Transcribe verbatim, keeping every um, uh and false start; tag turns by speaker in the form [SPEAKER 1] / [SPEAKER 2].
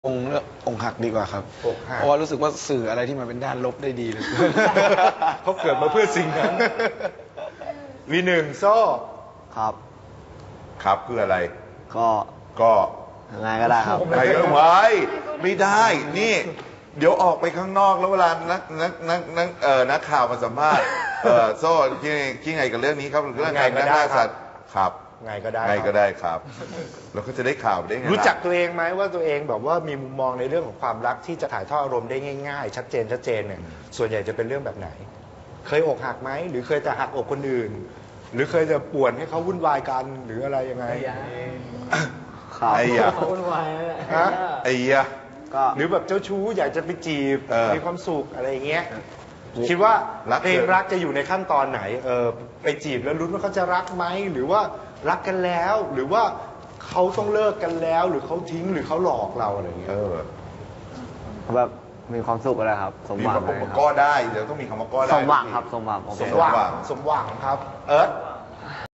[SPEAKER 1] องค์เลือกองค์หักดีกว่าครับ
[SPEAKER 2] อกหัก
[SPEAKER 1] เพราะว่ารู้สึกว่าสื่ออะไรที่มันเป็นด้านลบได้ดีเลย
[SPEAKER 2] เขาเกิดมาเพื่อสิ่งนั้นวีหนึ่งโซ่
[SPEAKER 3] ครับ
[SPEAKER 4] ครับคืออะไร
[SPEAKER 3] ก็
[SPEAKER 4] ก็
[SPEAKER 3] ยังไงก็ได้ครับ
[SPEAKER 4] ใครก็ไว้ไม่ได้ นี่ เดี๋ยวออกไปข้างนอกแล้วเวลานักนักนักนักเอ่อนักข่าวมาสัมภาษณ์เอ่อโซ่คิดคิดไงกับเรื่องนี้ครับเรื่องการฆ่าสัตว์ครับ
[SPEAKER 2] ไงก็ได้
[SPEAKER 4] ไงก็ได้ครับ แล้วก็จะได้ข่าวได้ไง
[SPEAKER 2] รู้จัก
[SPEAKER 4] ล่ะ
[SPEAKER 2] ตัวเองไหมว่าตัวเองแบบว่ามีมุมมองในเรื่องของความรักที่จะถ่ายทอดอารมณ์ได้ง่ายๆ ชัดเจนชัดเจนเนี่ยส่วนใหญ่จะเป็นเรื่องแบบไหน เคยอกหักไหมหรือเคยจะหักอกคนอื่น หรือเคยจะป่วนให้เขาวุ่นวายกันหรืออะไรยังไง
[SPEAKER 3] ครับ
[SPEAKER 4] ไอ้ยะ
[SPEAKER 3] วุ่นวายนั่นแหละ
[SPEAKER 2] ฮะ
[SPEAKER 4] ไอ้ยะ
[SPEAKER 3] ก็
[SPEAKER 2] หรือแบบเจ้าชู้อยากจะไปจีบ
[SPEAKER 4] เออ
[SPEAKER 2] มีความสุขอะไรอย่างเงี้ยคิดว่า
[SPEAKER 4] รัก
[SPEAKER 2] เพลงรักจะอยู่ในขั้นตอนไหนเออไปจีบแล้วลุ้นว่าเขาจะรักไหมหรือว่ารักกันแล้ว หรือว่าเขาต้องเลิกกันแล้ว หรือเขาทิ้งหรือเขาหลอกเราอะไรอย่างเงี้
[SPEAKER 4] เอย อ
[SPEAKER 3] แบบมีความสุขอะไรครับ สม
[SPEAKER 4] มี
[SPEAKER 3] หวัง
[SPEAKER 4] คำ
[SPEAKER 3] อะไร
[SPEAKER 4] ว่า
[SPEAKER 3] ค
[SPEAKER 4] ก็
[SPEAKER 3] รับ
[SPEAKER 4] ได้เดี๋ยวต้องมีคำว่าก็ได้
[SPEAKER 3] สมหวังครับ สมหวังผม
[SPEAKER 2] สม
[SPEAKER 3] เป็น
[SPEAKER 2] หวัง
[SPEAKER 4] สมหวัง
[SPEAKER 2] สมหวังครับ เอิร์ธ